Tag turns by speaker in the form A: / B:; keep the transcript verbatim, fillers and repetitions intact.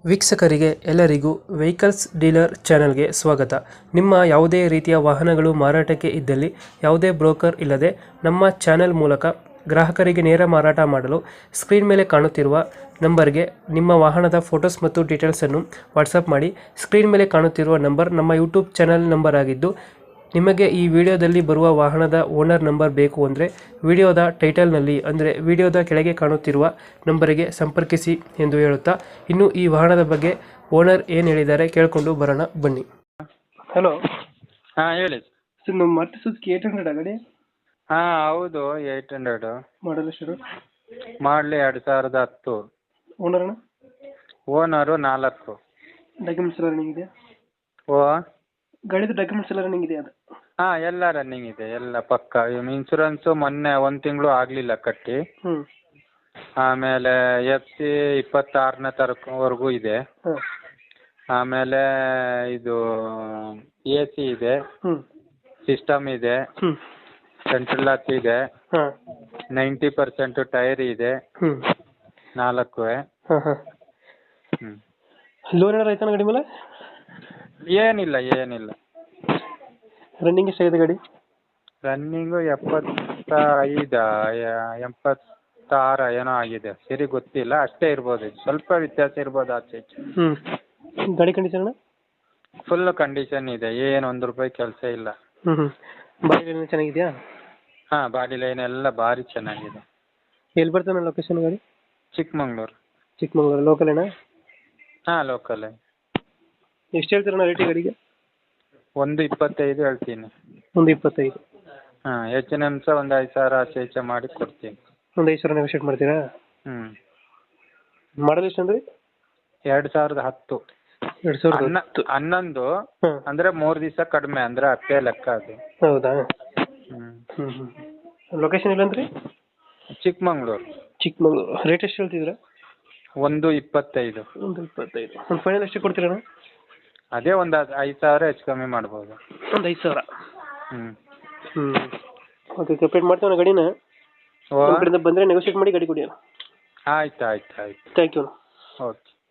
A: ವೀಕ್ಷಕರಿಗೆ ಎಲ್ಲರಿಗೂ vehicles dealer ಚಾನೆಲ್ಗೆ ಸ್ವಾಗತ. ನಿಮ್ಮ ಯಾವುದೇ ರೀತಿಯ ವಾಹನಗಳು ಮಾರಾಟಕ್ಕೆ ಇದ್ದಲ್ಲಿ ಯಾವುದೇ ಬ್ರೋಕರ್ ಇಲ್ಲದೆ ನಮ್ಮ ಚಾನೆಲ್ ಮೂಲಕ ಗ್ರಾಹಕರಿಗೆ ನೇರ ಮಾರಾಟ ಮಾಡಲು ಸ್ಕ್ರೀನ್ ಮೇಲೆ ಕಾಣುತ್ತಿರುವ ನಂಬರ್ಗೆ ನಿಮ್ಮ ವಾಹನದ ಫೋಟೋಸ್ ಮತ್ತು ಡೀಟೇಲ್ಸನ್ನು ವಾಟ್ಸಪ್ ಮಾಡಿ. ಸ್ಕ್ರೀನ್ ಮೇಲೆ ಕಾಣುತ್ತಿರುವ ನಂಬರ್ ನಮ್ಮ ಯೂಟ್ಯೂಬ್ ಚಾನೆಲ್ ನಂಬರ್ ಆಗಿದ್ದು, ನಿಮಗೆ ಈ ವಿಡಿಯೋದಲ್ಲಿ ಬರುವ ವಾಹನದ ಓನರ್ ನಂಬರ್ ಬೇಕು ಅಂದರೆ ವಿಡಿಯೋದ ಟೈಟಲ್ನಲ್ಲಿ ಅಂದರೆ ವಿಡಿಯೋದ ಕೆಳಗೆ ಕಾಣುತ್ತಿರುವ ನಂಬರಿಗೆ ಸಂಪರ್ಕಿಸಿ ಎಂದು ಹೇಳುತ್ತಾ, ಇನ್ನು ಈ ವಾಹನದ ಬಗ್ಗೆ ಓನರ್ ಏನು ಹೇಳಿದ್ದಾರೆ ಕೇಳಿಕೊಂಡು ಬರೋಣ ಬನ್ನಿ. ಹಲೋ,
B: ಹಾಂ ಹೇಳಿ.
A: ಸರ್ ನಮ್ಮ ಮಾರುತಿ ಸುಜುಕಿ ಏಟ್ ಹಂಡ್ರೆಡ್ ಗಾಡಿ
B: ಹಾಂ ಹೌದು, ಏಯ್ಟ್ ಹಂಡ್ರೆಡು
A: ಮಾಡಲ್ ಎಷ್ಟು?
B: ಮಾಡಲಿ ಎರಡು ಸಾವಿರದ ಹತ್ತು.
A: ಓನರ್ನ
B: ಓನರು ನಾಲ್ಕು.
A: ಡಾಕ್ಯುಮೆಂಟ್ಸ್ ಎಲ್ಲ ರನ್ನಿಂಗ್ ಇದೆಯಾ?
B: ಓ
A: ಗಾಡಿದು ಡಾಕ್ಯುಮೆಂಟ್ಸ್ ಎಲ್ಲ ರನ್ನಿಂಗ್ ಇದೆಯಾ? ಅದು
B: ಹಾಂ ಎಲ್ಲ ರನ್ನಿಂಗ್ ಇದೆ, ಎಲ್ಲ ಪಕ್ಕ. ಇನ್ಸೂರೆನ್ಸು ಮೊನ್ನೆ ಒಂದು ತಿಂಗಳು ಆಗಲಿಲ್ಲ ಕಟ್ಟಿ.
A: ಹ್ಞೂ
B: ಆಮೇಲೆ ಎಫ್ ಸಿ ಇಪ್ಪತ್ತಾರನೇ ತಾರೀಕುವರೆಗೂ ಇದೆ.
A: ಹಾಂ
B: ಆಮೇಲೆ ಇದು ಎ ಸಿ ಇದೆ,
A: ಹ್ಞೂ
B: ಸಿಸ್ಟಮ್ ಇದೆ,
A: ಹ್ಞೂ
B: ಸೆಂಟ್ರಲ್ ಲಾಕ್ ಇದೆ,
A: ಹಾಂ
B: ನೈಂಟಿ ಪರ್ಸೆಂಟು ಟೈರ್ ಇದೆ,
A: ಹ್ಞೂ
B: ನಾಲ್ಕು.
A: ಹಾಂ ಹಾಂ
B: ಹ್ಞೂ
A: ಲೋನ್ ಏನಾರು ಆಯ್ತಾನ ಗಾಡಿ ಮೇಲೆ?
B: ಏನಿಲ್ಲ ಏನಿಲ್ಲ.
A: ರನ್ನಿಂಗ್ ಎಷ್ಟಾಗಿದೆ ಗಾಡಿ?
B: ರನ್ನಿಂಗು ಎಪ್ಪತ್ತ ಐದು ಎಪ್ಪತ್ತಾರು ಏನೋ ಆಗಿದೆ, ಸರಿ ಗೊತ್ತಿಲ್ಲ. ಅಷ್ಟೇ ಇರ್ಬೋದು, ಸ್ವಲ್ಪ ವ್ಯತ್ಯಾಸ ಇರ್ಬೋದು ಆಚೆ ಈಚೆ.
A: ಹ್ಞೂ ಗಾಡಿ ಕಂಡೀಷನ್?
B: ಫುಲ್ ಕಂಡೀಷನ್ ಇದೆ, ಏನು ಒಂದು ರೂಪಾಯಿ ಕೆಲಸ ಇಲ್ಲ.
A: ಹ್ಞೂ ಹ್ಞೂ ಬಾಡಿ ಲೈನ್ ಚೆನ್ನಾಗಿದೆಯಾ?
B: ಹಾಂ ಬಾಡಿ ಲೈನ್ ಎಲ್ಲ ಭಾರಿ ಚೆನ್ನಾಗಿದೆ.
A: ಎಲ್ಲಿ ಬರ್ತಾನೆ ಲೊಕೇಶನ್ ಗಾಡಿ?
B: ಚಿಕ್ಕಮಂಗ್ಳೂರು.
A: ಚಿಕ್ಕಮಂಗ್ಳೂರು ಲೋಕಲೇನಾ?
B: ಹಾಂ ಲೋಕಲೇ.
A: ಎಷ್ಟು ಹೇಳ್ತೀರಣ್ಣ ರೇಟ್ ಗಾಡಿಗೆ?
B: ಒಂದು ಇಪ್ಪತ್ತೈದು ಹೇಳ್ತೀನಿ.
A: ಒಂದು ಇಪ್ಪತ್ತೈದು.
B: ಹಾಂ ಹೆಚ್ಚಿನ ಅಂಶ ಒಂದು ಐದು ಸಾವಿರ ಆಚೆ ಈಚೆ ಮಾಡಿ ಕೊಡ್ತೀನಿ.
A: ಒಂದು ಐದು ಸಾವಿರ ನೆಗೋಷಿಯೇಟ್ ಮಾಡ್ತೀರಾ?
B: ಹ್ಞೂ
A: ಮಾಡಲ್ ಎಷ್ಟು ಅಂದ್ರಿ?
B: ಎರಡು ಸಾವಿರದ ಹತ್ತು.
A: ಎರಡು ಸಾವಿರದ
B: ಹನ್ನ
A: ಹತ್ತು
B: ಹನ್ನೊಂದು
A: ಹಾಂ
B: ಅಂದರೆ ಮೂರು ದಿವಸ ಕಡಿಮೆ, ಅಂದರೆ ಹತ್ತೇ ಲೆಕ್ಕ ಅದು.
A: ಹೌದಾ?
B: ಹ್ಞೂ
A: ಹ್ಞೂ ಹ್ಞೂ ಲೊಕೇಶನ್ ಇಲ್ಲಂದ್ರಿ?
B: ಚಿಕ್ಕಮಂಗ್ಳೂರು.
A: ಚಿಕ್ಕಮಂಗ್ಳೂರು. ರೇಟ್ ಎಷ್ಟು ಹೇಳ್ತಿದ್ದೀರಾ?
B: ಒಂದು ಇಪ್ಪತ್ತೈದು.
A: ಒಂದು ಇಪ್ಪತ್ತೈದು. ಒಂದು ಫೈನಲ್ ಎಷ್ಟು ಕೊಡ್ತೀರಣ್ಣ?
B: ಅದೇ ಒಂದು ಐದು ಸಾವಿರ ಹೆಚ್ಚು ಕಮ್ಮಿ ಮಾಡ್ಬೋದು.
A: ಒಂದು ಐದು ಸಾವಿರ.
B: ಹ್ಞೂ
A: ಹ್ಞೂ ಓಕೆ, ಕಂಪ್ಲೀಟ್ ಮಾಡ್ತೀವಣ್ಣ ಗಾಡಿನ.
B: ಓ
A: ನಮ್ಮ ಕಡೆಯಿಂದ ಬಂದರೆ ನೆಗೋಷಿಯೇಟ್ ಮಾಡಿ ಗಾಡಿ ಕೊಡಿ.
B: ಆಯ್ತು ಆಯ್ತು ಆಯ್ತು.
A: Thank you.
B: ಓಕೆ.